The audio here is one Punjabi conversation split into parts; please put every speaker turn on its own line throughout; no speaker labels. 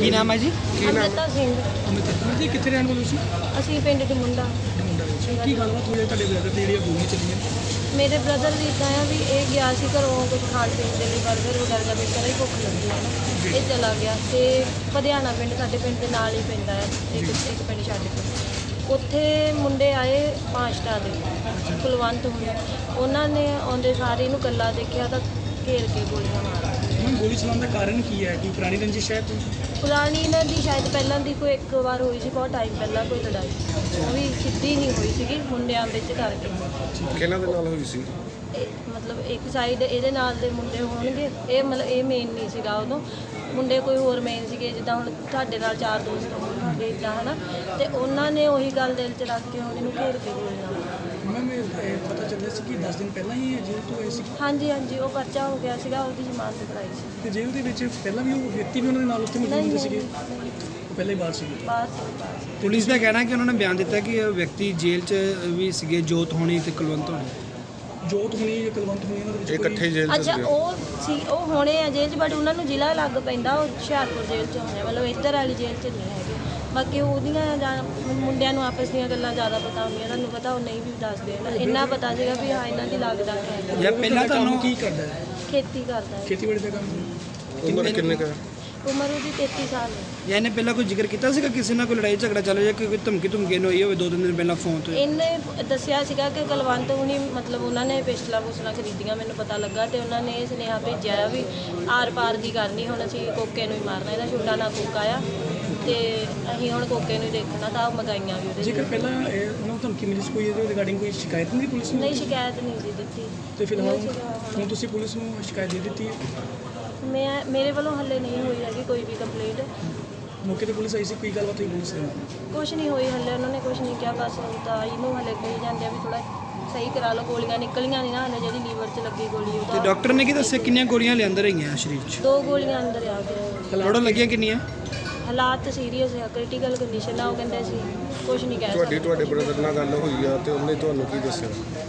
ਕੀ ਨਾਮ ਹੈ ਜੀ?
ਅਮ੍ਰਿਤਾ ਸਿੰਘ।
ਅਮਿਤ ਜੀ ਕਿੱਥੇ ਰਹਿਣ ਵਾਲੇ ਤੁਸੀਂ?
ਅਸੀਂ ਪਿੰਡ ਦੇ ਮੁੰਡਾ।
ਕੀ ਗੱਲਬਾਤ ਹੋਈ ਹੈ ਤੁਹਾਡੇ ਬ੍ਰਦਰ ਤੇ ਜਿਹੜੀਆਂ ਗੋਲੀਆਂ ਚੱਲੀਆਂ?
ਮੇਰੇ ਬ੍ਰਦਰ ਵੀ ਇੱਦਾਂ ਆ ਵੀ ਇਹ ਗਿਆ ਸੀ ਘਰੋਂ ਕੁਝ ਖਾਣ ਪੀਣ ਦੇ ਲਈ ਬਰਗਰ ਵਗੈਰਾ ਵੀ ਕਰੇ ਭੁੱਖ ਲੱਗੀ ਹੈ ਨਾ, ਇਹ ਚਲਾ ਗਿਆ ਤੇ ਪਧਿਆਣਾ ਪਿੰਡ ਸਾਡੇ ਪਿੰਡ ਦੇ ਨਾਲ ਹੀ ਪੈਂਦਾ ਹੈ, ਇੱਕ ਪਿੰਡ ਛੱਡ ਕੇ। ਉੱਥੇ ਮੁੰਡੇ ਆਏ 5 ਸਟਾਰ ਦੇ ਕੁਲਵੰਤ ਹੋਏ, ਉਹਨਾਂ ਨੇ ਆਉਂਦੇ ਸਾਰੇ ਇਹਨੂੰ ਇਕੱਲਾ ਦੇਖਿਆ ਤਾਂ ਘੇਰ ਕੇ ਗੋਲੀਆਂ ਮਾਰ।
ਗੋਲੀ ਚਲਾਉਣ ਦਾ ਕਾਰਨ ਕੀ ਹੈ? ਕੋਈ ਪੁਰਾਣੀ ਰੰਜਿਸ਼ ਹੈ?
ਪੁਰਾਣੀ ਇਹਨਾਂ ਦੀ ਸ਼ਾਇਦ ਪਹਿਲਾਂ ਦੀ ਕੋਈ ਇੱਕ ਵਾਰ ਹੋਈ ਸੀ, ਬਹੁਤ ਟਾਈਮ ਪਹਿਲਾਂ ਕੋਈ ਲੜਾਈ, ਉਹ ਵੀ ਸਿੱਧੀ ਨਹੀਂ ਹੋਈ ਸੀਗੀ, ਮੁੰਡਿਆਂ ਵਿੱਚ ਕਰਕੇ।
ਕਿਹਨਾਂ ਦੇ ਨਾਲ ਹੋਈ ਸੀ?
ਮਤਲਬ ਇੱਕ ਸਾਈਡ ਇਹਦੇ ਨਾਲ ਦੇ ਮੁੰਡੇ ਹੋਣਗੇ, ਇਹ ਮਤਲਬ ਇਹ ਮੇਨ ਨਹੀਂ ਸੀਗਾ ਉਦੋਂ, ਮੁੰਡੇ ਕੋਈ ਹੋਰ ਮੇਨ ਸੀਗੇ, ਜਿੱਦਾਂ ਹੁਣ ਤੁਹਾਡੇ ਨਾਲ 4 ਦੋਸਤ ਹੋਣਗੇ ਇੱਦਾਂ ਹੈ ਨਾ, ਤੇ ਉਹਨਾਂ ਨੇ ਉਹੀ ਗੱਲ ਦਿਲ 'ਚ ਰੱਖ ਕੇ ਹੁਣ ਇਹਨੂੰ ਘੇਰ ਕੇ ਗੋਲੀਆਂ ਮਾਰੀਆਂ।
ਮੈਮ ਇਹ ਪਤਾ ਚੱਲਿਆ ਸੀ ਕਿ 10 ਦਿਨ ਪਹਿਲਾਂ ਹੀ ਜੇਲ੍ਹ ਤੋਂ ਆਏ ਸੀ?
ਹਾਂਜੀ ਹਾਂਜੀ, ਉਹ ਪਰਚਾ ਹੋ ਗਿਆ ਸੀਗਾ, ਉਹਦੀ ਜ਼ਮਾਨਤ ਕਰਾਈ ਸੀ।
ਤੇ ਜੇਲ੍ਹ ਦੇ ਵਿੱਚ ਪਹਿਲਾਂ ਵੀ ਉਹ ਵਿਅਕਤੀ ਵੀ ਉਹਨਾਂ ਦੇ ਨਾਲ ਉੱਥੇ ਮੌਜੂਦ ਹੁੰਦੇ ਸੀਗੇ? ਉਹ ਪਹਿਲਾਂ ਹੀ ਬਾਹਰ ਸੀਗੇ?
ਬਾਹਰ।
ਪੁਲਿਸ ਦਾ ਕਹਿਣਾ ਕਿ ਉਹਨਾਂ ਨੇ ਬਿਆਨ ਦਿੱਤਾ ਕਿ ਇਹ ਵਿਅਕਤੀ ਜੇਲ੍ਹ 'ਚ ਵੀ ਸੀਗੇ, ਜੋਤ ਹੋਣੀ ਤੇ ਕੁਲਵੰਤ ਹੋਣੀ।
ਜੋਤ ਹੋਣੀ ਜਾਂ ਕੁਲਵੰਤ ਹੋਣੀ ਉਹਨਾਂ ਦੇ ਵਿੱਚ
ਇਕੱਠੇ ਜੇਲ੍ਹ 'ਚ
ਅੱਛਾ,
ਸੀਗੇ?
ਉਹ ਸੀ, ਉਹ ਹੋਣੇ ਆ ਜੇਲ੍ਹ 'ਚ, ਬਟ ਉਹਨਾਂ ਨੂੰ ਜ਼ਿਲ੍ਹਾ ਲੱਗ ਪੈਂਦਾ, ਉਹ ਹੁਸ਼ਿਆਰਪੁਰ ਜੇਲ੍ਹ 'ਚ ਹੋਣੇ, ਮਤਲਬ ਇੱਧਰ ਵਾਲੀ ਜੇਲ੍ਹ 'ਚ ਨਹੀਂ ਹੈਗੇ। ਬਾਕੀ ਉਹਦੀਆਂ ਜਾਂ ਮੁੰਡਿਆਂ ਨੂੰ ਆਪਸ ਦੀਆਂ ਗੱਲਾਂ ਜ਼ਿਆਦਾ ਪਤਾ ਹੁੰਦੀਆਂ, ਤੁਹਾਨੂੰ ਪਤਾ ਉਹ ਨਹੀਂ ਵੀ ਦੱਸਦੇ ਨਾ, ਇੰਨਾ ਪਤਾ ਸੀਗਾ ਵੀ ਹਾਂ ਇਹਨਾਂ ਦੀ ਲੱਗਦਾ ਹੈ।
ਜਾਂ ਪਹਿਲਾਂ ਤੁਹਾਨੂੰ
ਕੀ ਕਰਦਾ ਹੈ?
ਖੇਤੀ ਕਰਦਾ ਹੈ।
ਖੇਤੀਬਾੜੀ ਦਾ ਕੰਮ?
ਉਮਰ ਕਿੰਨੇ ਕੁ ਹੈ?
ਉਮਰ ਉਹਦੀ 33 ਸਾਲ ਹੈ।
ਜਾਂ ਇਹਨੇ ਪਹਿਲਾਂ ਕੋਈ ਜ਼ਿਕਰ ਕੀਤਾ ਸੀਗਾ ਕਿਸੇ ਨਾਲ ਕੋਈ ਲੜਾਈ ਝਗੜਾ ਚੱਲ ਰਿਹਾ, ਕੋਈ ਧਮਕੀ ਧਮਕੀ ਨੂੰ ਹੋਈ ਹੋਵੇ 2-3 ਦਿਨ ਪਹਿਲਾਂ ਫੋਨ ਤੋਂ?
ਇਹਨੇ ਦੱਸਿਆ ਸੀਗਾ ਕਿ ਕੁਲਵੰਤ ਹੁਣੀ ਮਤਲਬ ਉਹਨਾਂ ਨੇ ਪਿਸਟਲਾਂ ਪੁਸਲਾਂ ਖਰੀਦੀਆਂ, ਮੈਨੂੰ ਪਤਾ ਲੱਗਾ, ਤੇ ਉਹਨਾਂ ਨੇ ਇਹ ਸੁਨੇਹਾ ਭੇਜਿਆ ਵੀ ਆਰ ਪਾਰ ਦੀ ਗੱਲ ਨਹੀਂ, ਹੁਣ ਅਸੀਂ ਕੋਕੇ ਨੂੰ ਹੀ ਮਾਰਨਾ, ਇਹਦਾ ਛੋਟਾ ਨਾ ਕੋਕਾ ਆ ਤੇ ਅਸੀਂ ਹੁਣ ਕੋਕੇ ਨੂੰ ਹੀ ਦੇਖਣਾ, ਤਾਂ ਉਹ ਮਗਾਈਆਂ ਵੀ ਉਹਦੇ।
ਜੇਕਰ ਪਹਿਲਾਂ ਉਹਨਾਂ ਨੂੰ ਧਮਕੀ ਮਿਲੀ ਸੀ ਕੋਈ ਇਹਦੇ ਰਿਗਾਰਡਿੰਗ ਕੋਈ ਸ਼ਿਕਾਇਤ ਨਹੀਂ ਪੁਲਿਸ ਨੂੰ?
ਨਹੀਂ, ਸ਼ਿਕਾਇਤ ਨਹੀਂ ਸੀ ਦਿੱਤੀ।
ਤੇ ਫਿਲਹਾਲ ਹੁਣ ਤੁਸੀਂ ਪੁਲਿਸ ਨੂੰ ਸ਼ਿਕਾਇਤ ਦੇ ਦਿੱਤੀ ਹੈ?
ਮੇਰੇ ਵੱਲੋਂ ਹੱਲੇ ਨਹੀਂ ਹੋਈ ਹੈਗੀ ਕੋਈ ਵੀ ਕੰਪਲੇਂਟ।
ਮੌਕੇ ਤੇ ਪੁਲਿਸ ਆਈ ਸੀ, ਕੋਈ ਗੱਲਬਾਤ ਹੋਈ ਪੁਲਿਸ ਨਾਲ?
ਕੁਛ ਨਹੀਂ ਹੋਈ ਹੱਲੇ, ਉਹਨਾਂ ਨੇ ਕੁਛ ਨਹੀਂ ਕਿਹਾ, ਬਸ ਤਾਂ ਇਹਨੂੰ ਹੱਲੇ ਕਹੀ ਜਾਂਦੇ ਆ ਵੀ ਥੋੜਾ ਸਹੀ ਕਰਾ ਲਓ, ਗੋਲੀਆਂ ਨਿਕਲੀਆਂ ਨਹੀਂ ਨਾ ਹੱਲੇ, ਜਿਹੜੀ ਲੀਵਰ 'ਚ ਲੱਗੀ ਗੋਲੀ
ਤੇ
ਉਹਦਾ।
ਡਾਕਟਰ ਨੇ ਕੀ ਦੱਸਿਆ ਕਿੰਨੀਆਂ ਗੋਲੀਆਂ ਲਿਆਂਦਰ ਰਹੀਆਂ ਸਰੀਰ 'ਚ?
2 ਗੋਲੀਆਂ ਅੰਦਰ ਆ ਗਏ।
ਟੋਟਲ ਲੱਗੀਆਂ ਕਿੰਨੀਆਂ?
ਹਾਲਾਤ ਸੀਰੀਅਸ ਆ, ਕ੍ਰਿਟੀਕਲ ਕੰਡੀਸ਼ਨ ਆ, ਉਹ ਕਹਿੰਦੇ ਸੀ ਕੁਛ ਨਹੀਂ ਕਹਿ ਸਕਦੇ।
ਤੁਹਾਡੇ ਬ੍ਰਦਰ ਨਾਲ ਗੱਲ ਹੋਈ ਆ ਤੇ ਉਹਨੇ ਤੁਹਾਨੂੰ ਕੀ ਦੱਸਿਆ?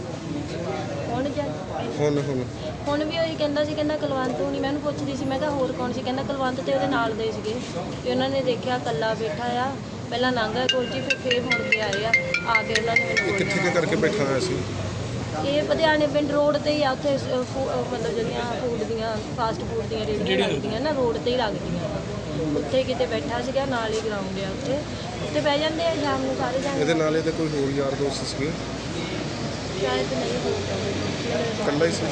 ਹੁਣ ਵੀ ਉਹੀ ਕਹਿੰਦਾ ਸੀ, ਕਹਿੰਦਾ ਕੁਲਵੰਤ ਹੁਣੀ, ਮੈਂ ਉਹਨੂੰ ਪੁੱਛਦੀ ਸੀ, ਮੈਂ ਕਿਹਾ ਹੋਰ ਕੌਣ ਸੀ, ਕਹਿੰਦਾ ਕੁਲਵੰਤ ਤੇ ਉਹਦੇ ਨਾਲ ਦੇ ਸੀਗੇ, ਤੇ ਉਹਨਾਂ ਨੇ ਦੇਖਿਆ ਇਕੱਲਾ ਬੈਠਾ ਆ, ਪਹਿਲਾਂ ਲੰਘਿਆ ਕੋਚੀ, ਫਿਰ ਮੁੜ ਕੇ ਆਏ ਆ ਕੇ ਉਹਨਾਂ ਨੇ ਮੈਨੂੰ
ਕਿੱਥੇ ਕੁ ਕਰਕੇ ਬੈਠਾ ਹੋਇਆ ਸੀ?
ਇਹ ਪਧਿਆਣੇ ਪਿੰਡ ਰੋਡ ਤੇ ਹੀ ਆ, ਉੱਥੇ ਮਤਲਬ ਜਿਹੜੀਆਂ ਫੂਡ ਦੀਆਂ ਫਾਸਟ ਫੂਡ ਦੀਆਂ ਰੇਹੜੀਆਂ ਲੱਗਦੀਆਂ ਨਾ, ਰੋਡ ਤੇ ਹੀ ਲੱਗਦੀਆਂ, ਉੱਥੇ ਕਿਤੇ ਬੈਠਾ ਸੀਗਾ, ਨਾਲ ਹੀ ਗਰਾਊਂਡ ਆ, ਉੱਥੇ ਬਹਿ ਜਾਂਦੇ ਆ ਸ਼ਾਮ ਨੂੰ ਸਾਰੇ ਜਾਣੇ।
ਇਹਦੇ ਨਾਲ ਇਹਦੇ ਕੋਈ ਹੋਰ ਯਾਰ ਦੋਸਤ ਸੀਗੇ?
ਸ਼ਾਇਦ ਨਹੀਂ ਹੋਊਗਾ,
ਇਕੱਲਾ ਹੀ ਸੀ?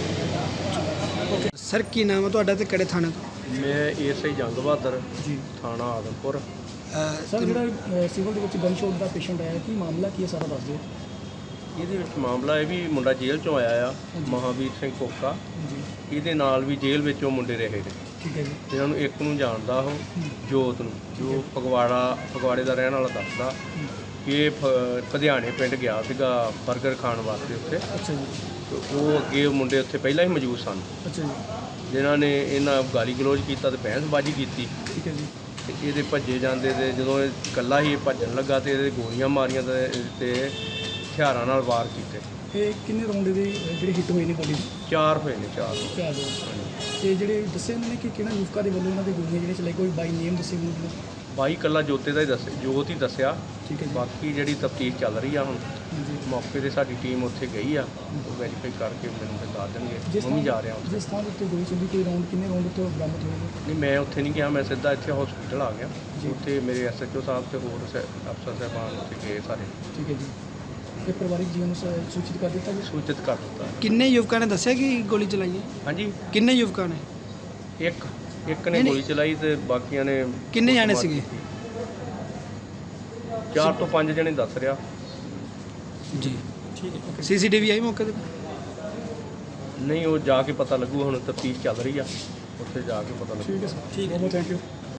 ਸਰ ਕੀ ਨਾਮ ਹੈ ਤੁਹਾਡਾ ਤੇ ਕਿਹੜੇ ਥਾਣੇ ਤੋਂ?
ਮੈਂ ਏਐਸਆਈ ਜੰਗ ਬਹਾਦਰ
ਜੀ
ਥਾਣਾ ਆਦਮਪੁਰ।
ਸਰ ਜਿਹੜਾ ਸਿਵਲ ਦੇ ਵਿੱਚ ਗਨ ਸ਼ਾਟ ਦਾ ਪੇਸ਼ੈਂਟ ਆਇਆ, ਕੀ ਮਾਮਲਾ ਕੀ ਹੈ ਸਾਰਾ ਦੱਸ ਦਿਓ।
ਇਹਦੇ ਵਿੱਚ ਮਾਮਲਾ ਇਹ ਵੀ ਮੁੰਡਾ ਜੇਲ੍ਹ ਚੋਂ ਆਇਆ ਆ, ਮਹਾਵੀਰ ਸਿੰਘ ਕੋਕਾ,
ਜੀ
ਇਹਦੇ ਨਾਲ ਵੀ ਜੇਲ੍ਹ ਵਿੱਚ ਉਹ ਮੁੰਡੇ ਰਹੇ ਨੇ।
ਠੀਕ ਹੈ ਜੀ।
ਇਹਨਾਂ ਨੂੰ ਇੱਕ ਨੂੰ ਜਾਣਦਾ ਉਹ ਜੋਤ ਨੂੰ, ਜੋ ਫਗਵਾੜੇ ਦਾ ਰਹਿਣ ਵਾਲਾ ਦੱਸਦਾ ਕਿ ਇਹ ਪਧਿਆਣੇ ਪਿੰਡ ਗਿਆ ਸੀਗਾ ਬਰਗਰ ਖਾਣ ਵਾਸਤੇ ਉੱਥੇ,
ਅੱਛਾ ਜੀ।
ਤੇ ਉਹ ਅੱਗੇ ਮੁੰਡੇ ਉੱਥੇ ਪਹਿਲਾਂ ਹੀ ਮੌਜੂਦ ਸਨ,
ਅੱਛਾ ਜੀ।
ਜਿਨ੍ਹਾਂ ਨੇ ਇਹਨਾਂ ਗਾਲੀ ਗਲੋਚ ਕੀਤਾ ਤੇ ਬਹਿਸਬਾਜ਼ੀ ਕੀਤੀ,
ਠੀਕ ਹੈ ਜੀ।
ਤੇ ਇਹਦੇ ਭੱਜੇ ਜਾਂਦੇ ਤੇ ਜਦੋਂ ਇਹ ਇਕੱਲਾ ਹੀ ਭੱਜਣ ਲੱਗਾ ਤੇ ਇਹਦੇ ਗੋਲੀਆਂ ਮਾਰੀਆਂ ਤੇ ਹਥਿਆਰਾਂ ਨਾਲ ਵਾਰ ਕੀਤੇ।
ਇਹ ਕਿੰਨੇ ਰਾਉਂਡ ਦੇ ਜਿਹੜੇ ਹਿੱਟ ਹੋਏ ਨੇ ਗੋਲੀ?
4 ਹੋਏ ਨੇ, 4।
ਤੇ ਜਿਹੜੇ ਦੱਸੇ ਉਹਨਾਂ ਨੇ ਕਿ ਕਿਹੜਾ ਯੂਫਕਾ ਦੇ ਵੱਲੋਂ ਇਹਨਾਂ ਦੇ ਗੋਲੀਆਂ ਜਿਹੜੇ ਚਲਾਈ, ਕੋਈ ਬਾਈ ਨੇਮ ਦੱਸੇ ਉਹਨਾਂ ਨੇ?
ਬਾਈ ਇਕੱਲਾ ਜੋਤੇ ਦਾ ਹੀ ਦੱਸਿਆ, ਜੋਤ ਹੀ ਦੱਸਿਆ।
ਠੀਕ ਹੈ ਜੀ।
ਬਾਕੀ ਜਿਹੜੀ ਤਫਤੀਸ਼ ਚੱਲ ਰਹੀ ਆ ਹੁਣ,
ਜੀ।
ਮੌਕੇ 'ਤੇ ਸਾਡੀ ਟੀਮ ਉੱਥੇ ਗਈ ਆ, ਉਹ ਵੈਰੀਫਾਈ ਕਰਕੇ ਮੈਨੂੰ ਫਿਰ ਦੱਸ ਦੇਣਗੇ। ਮੈਂ ਵੀ ਜਾ ਰਿਹਾ ਉੱਥੇ।
ਜਿਸ ਥਾਂ ਦੇ ਉੱਤੇ ਗੋਲੀ ਚੱਲੀ, ਕੋਈ ਰਾਉਂਡ ਕਿੰਨੇ ਰਾਉਂਡ ਉੱਤੇ ਬਰਾਮਦ ਹੋਏ ਨੇ?
ਨਹੀਂ, ਮੈਂ ਉੱਥੇ ਨਹੀਂ ਗਿਆ, ਮੈਂ ਸਿੱਧਾ ਇੱਥੇ ਹਸਪੀਟਲ ਆ ਗਿਆ। ਉੱਥੇ ਮੇਰੇ ਐਸਐਚਓ ਸਾਹਿਬ ਤੇ ਹੋਰ ਅਫਸਰ ਸਾਹਿਬਾਨ ਉੱਥੇ ਗਏ ਸਾਰੇ।
ਠੀਕ ਹੈ ਜੀ। ਤੇ ਪਰਿਵਾਰਿਕ ਜੀਵਨ ਨੂੰ ਸੂਚਿਤ ਕਰ ਦਿੱਤਾ ਜੀ?
ਸੂਚਿਤ ਕਰ ਦਿੱਤਾ।
ਕਿੰਨੇ ਯੁਵਕਾਂ ਨੇ ਦੱਸਿਆ ਕਿ ਗੋਲੀ ਚਲਾਈ ਹੈ?
ਹਾਂਜੀ,
ਕਿੰਨੇ ਯੁਵਕਾਂ ਨੇ?
ਇੱਕ ਨੇ ਗੋਲੀ ਚਲਾਈ ਤੇ ਬਾਕੀਆਂ ਨੇ।
ਕਿੰਨੇ ਜਾਣੇ ਸੀਗੇ?
4 ਤੋਂ 5 ਜਣੇ ਦੱਸ ਰਿਹਾ
ਜੀ। ਠੀਕ ਹੈ। ਸੀਸੀਟੀਵੀ ਆਈ ਮੌਕੇ ਤੇ?
ਨਹੀਂ, ਉਹ ਜਾ ਕੇ ਪਤਾ ਲੱਗੂ, ਹੁਣ ਤਫਤੀਸ਼ ਚੱਲ ਰਹੀ ਆ, ਉੱਥੇ ਜਾ ਕੇ ਪਤਾ ਲੱਗੂ।
ਠੀਕ ਹੈ ਸਰ। ਠੀਕ ਹੈ, ਥੈਂਕ ਯੂ।